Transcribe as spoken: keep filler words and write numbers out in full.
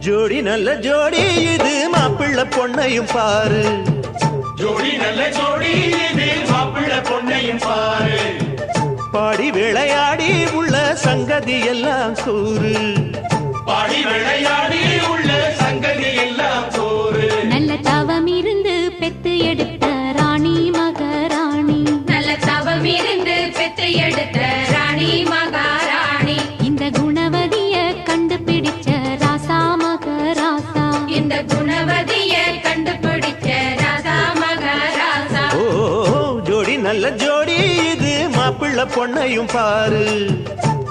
ஜோடி நல்ல ஜோடி இது மாப்பிள்ளை பொண்ணையும் பாரு. ஜோடி நல்ல ஜோடி இது மாப்பிள்ளை பொண்ணையும் பாரு. பாடி விளையாடி உள்ள சங்கதி எல்லாம் கூறு. பாடி விளையாடி உள்ள சங்கதி எல்லாம் கூறு. நல்ல தவம் இருந்து பெத்து எடுத்த ராணி மகாராணி. நல்ல தவம் இருந்து பெத்து எடுத்த ராணி மகாராணி. இந்த குணவதிய கண்டுபிடிச்ச ராசா மகராசா. இந்த குணவதிய கண்டுபிடிச்ச ராசா மகாராசா. ஓ ஜோடி நல்ல ஜோடி இது மாப்பிள்ளை பொண்ணையும் பாரு.